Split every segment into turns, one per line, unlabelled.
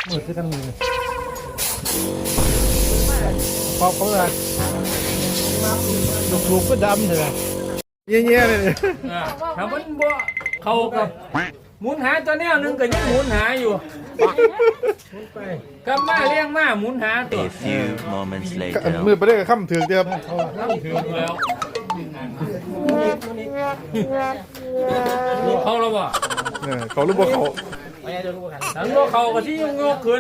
มืดที่กันมือปอกเขาเลยลูกก็ดำเลยเงี้ยๆเลย
ถ้ามันบ่เข้ากับหมุนหาตัวแนวนึงก็ยังหมุนหาอยู่กลับมาเลี้ยงมาหมุนหาตัว
A few moments later
มือไปได้กับข้ามถือเดียว
ถึงแล้วเขาแล้วบ่
เขาลูกบ่เขา
ทั้งบ่เขาก็ที่ยกขึ้น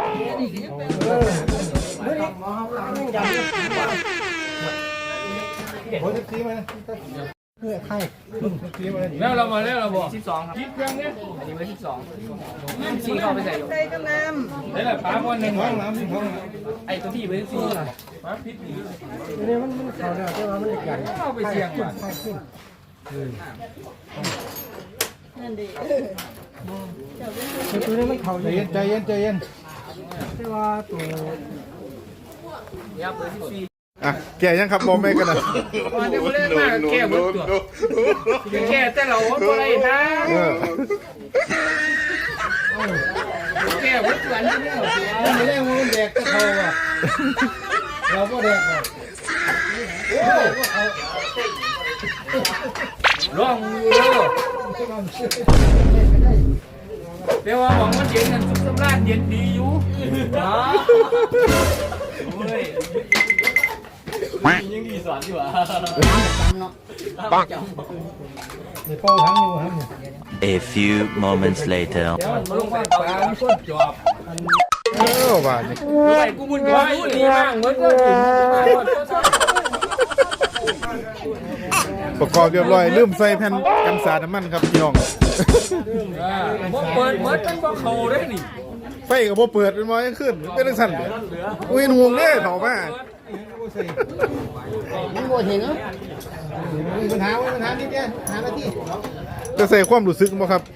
แล้วเรามาแล้วเราบอก12ครับคิดเครื่องนี้อันนี้ไว้12ซีเข้าไปใส่อยู่ใส่กระน้ำนี่แหละปลาวันหนึ่งห้องน้ำไอ้ตัวที่ไว้ซีปลาพิษนี่มันเขาเนี่ยแต่ว่ามันใหญ่เข้าไปเสี่ยงว่ะนั่นดิตัวนี้มันเขาใจเย็นแต่ว่าตัวยับเลย14
อ่ะแกยังครับบอมไม่กันนะ
วันนี้มาเล่นมากแก่หมดตัวแก่แต่เราอะไรนะแก่หมดตัวนี่เนี่ยไม่ได้มันแดกตะเขาอ่ะเราก็แดกอ่ะร้องเลยแต่ว่าหวังมันเย็นกันสุขสำราญเย็นดีอยู่ยังดีสอนอยู่อ่ะปังในเป้าทั้งอยู่ครับ
A few moments later
เดี๋ยวมันลงไปปลาไม่ควรจอบ
บาทนี่
ไปกูมุนก้อยดีมากเหมือนก็
ประกอบเรียบร้อยลืมใส่แผ่นกันสาดน้ำมันครับพี่น้อง
เปิดเหมือนเป็นบ่เขาได้นี่
ไฟกับพอเปิดเป็นมอยังขึ้นเป็นสั่นอุ้ยห่วงเนี่ยเขามา
มันบ่เห็นเหรอ
มีปัญหานิดเดียวหาหน้าที่
จะใส่ความรู้สึกมั้งครับ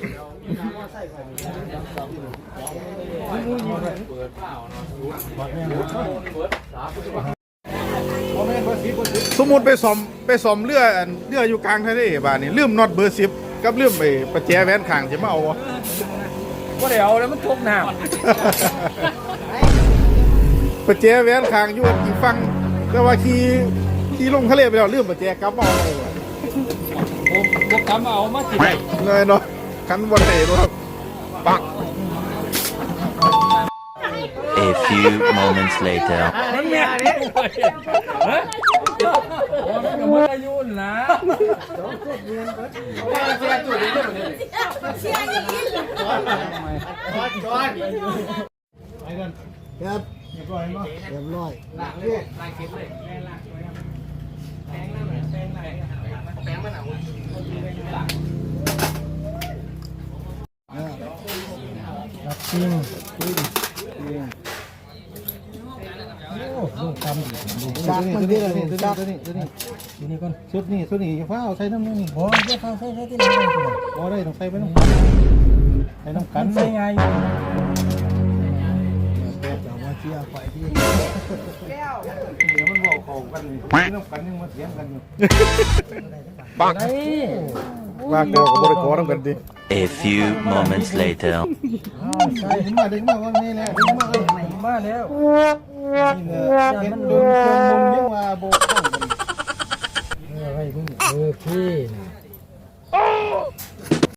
สมมุติไปซ่อมเรืออยู่กลางทะเลบ้านนี่ลืมน็อตเบอร์10กับลืมไปประแจแหวนข้างจะมาเอาวะ
ก็เดี๋ยวแล้วมันทุกน้ำ
ประแจแหวนข้างอยู่อีกฝั่งแต่ว่าขี่ลงทะเลไปแล้วลืมประแจกลับมาเอา
ผมกลับมาเอามาจิบ
เลยเนาะคันวันไหนครับปัก
A few moments later
มันแม่เนี่ยฮะมันอายุนะเสียจุดนี้เลยเสียอย่างนี้จอดไปกัน
ครับ
เรียบร้อยมั้ย
เรียบร้อย
ล้างเลยล้างเก็บเลยล้างแป้งน้ำแป้งมันเอา
จริงโอ้ลูกตำ
ดักมันนี่เลยดัก
ตัวนี้ก่อนชุดนี้ฟ้าเอาใส่น้ำนี่
โอ้ยจะเข้าใส่ที่ไหน
โอ้ได้ต้องใส่ไปน้ำกัน
ใส่ไงแต่ว่าเชี่ยไฟที่
เดี๋ยวมันบอกเขากันน้ำกันยังมาเถียงกันอยู่ปักว่าโกกับบริโภคต้องกันดิ
A few moments later
ใช่ถึงมาว่านี่แหละถึงมาแล้วนี่เนี่ยเห็นโดนเครื่องมุมยังว่าโบกข้างกัน
อะไรพวกนี้พี่